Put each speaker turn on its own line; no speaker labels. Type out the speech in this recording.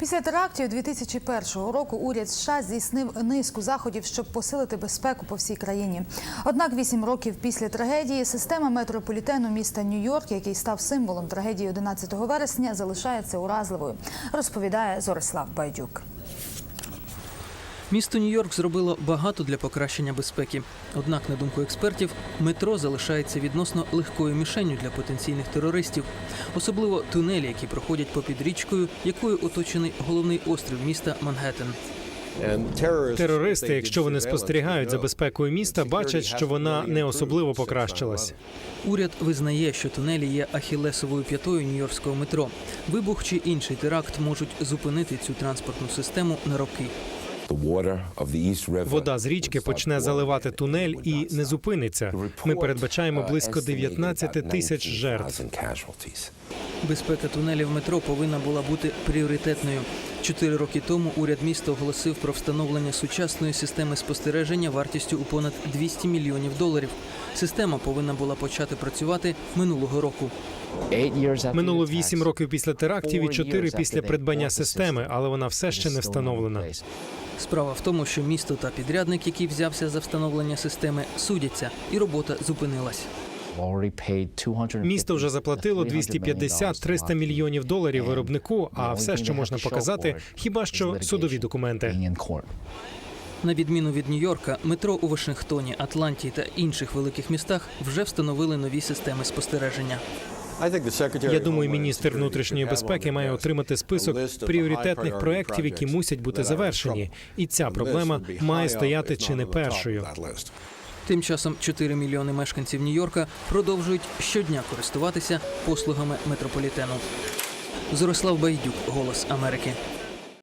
Після терактів 2001 року уряд США здійснив низку заходів, щоб посилити безпеку по всій країні. Однак 8 років після трагедії система метрополітену міста Нью-Йорк, який став символом трагедії 11 вересня, залишається уразливою, розповідає Зорислав Байдюк.
Місто Нью-Йорк зробило багато для покращення безпеки. Однак, на думку експертів, метро залишається відносно легкою мішенню для потенційних терористів. Особливо тунелі, які проходять попід річкою, якою оточений головний острів міста Манхеттен.
Терористи, якщо вони спостерігають за безпекою міста, бачать, що вона не особливо покращилась.
Уряд визнає, що тунелі є ахіллесовою п'ятою нью-йоркського метро. Вибух чи інший теракт можуть зупинити цю транспортну систему на роки.
Вода з річки почне заливати тунель і не зупиниться. Ми передбачаємо близько 19 тисяч жертв.
Безпека тунелів метро повинна була бути пріоритетною. 4 роки тому уряд міста оголосив про встановлення сучасної системи спостереження вартістю у понад $200 мільйонів. Система повинна була почати працювати минулого року.
Минуло 8 років після терактів і 4 після придбання системи, але вона все ще не встановлена.
Справа в тому, що місто та підрядник, який взявся за встановлення системи, судяться, і робота зупинилась.
Місто вже заплатило $250-300 мільйонів виробнику, а все, що можна показати, хіба що судові документи.
На відміну від Нью-Йорка, метро у Вашингтоні, Атланті та інших великих містах вже встановили нові системи спостереження.
Я думаю, міністр внутрішньої безпеки має отримати список пріоритетних проєктів, які мусять бути завершені. І ця проблема має стояти чи не першою.
Тим часом 4 мільйони мешканців Нью-Йорка продовжують щодня користуватися послугами метрополітену. Зорислав Байдюк, «Голос Америки».